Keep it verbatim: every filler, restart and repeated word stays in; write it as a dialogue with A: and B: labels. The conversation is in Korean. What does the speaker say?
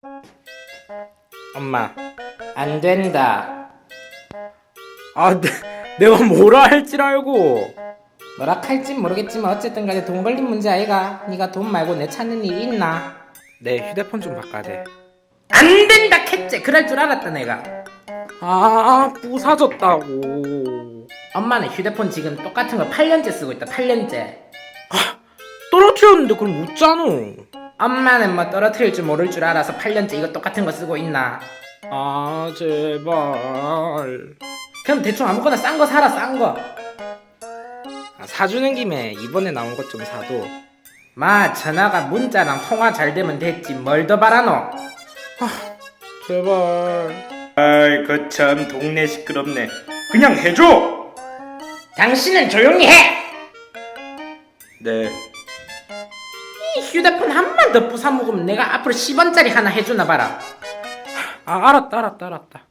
A: 엄마, 안 된다. 아, 내, 내가 뭐라 할 줄 알고. 뭐라 할진 모르겠지만 어쨌든 간에 돈 걸린 문제 아이가. 네가 돈 말고 내 찾는 일이 있나? 내 휴대폰 좀 바꿔야 돼. 안 된다 캣째. 그럴 줄 알았다 내가. 아, 부사졌다고. 엄마는 휴대폰 지금 똑같은 거 팔 년째 쓰고 있다. 팔 년째. 아, 떨어뜨렸는데 그럼 웃잖아. 엄마는 뭐 떨어뜨릴 줄 모를 줄 알아서 팔 년째 이거 똑같은 거 쓰고 있나? 아, 제발. 그럼 대충 아무거나 싼 거 사라. 싼 거. 아, 사주는 김에 이번에 나온 것 좀 사도. 마, 전화가 문자랑 통화 잘 되면 됐지 뭘 더 바라노? 아, 제발. 아이, 거참 동네 시끄럽네. 그냥 해줘. 당신은 조용히 해. 네. 이 휴대폰 한 번 더 부숴 먹으면 내가 앞으로 십 원짜리 하나 해주나 봐라. 아, 알았다 알았다 알았다.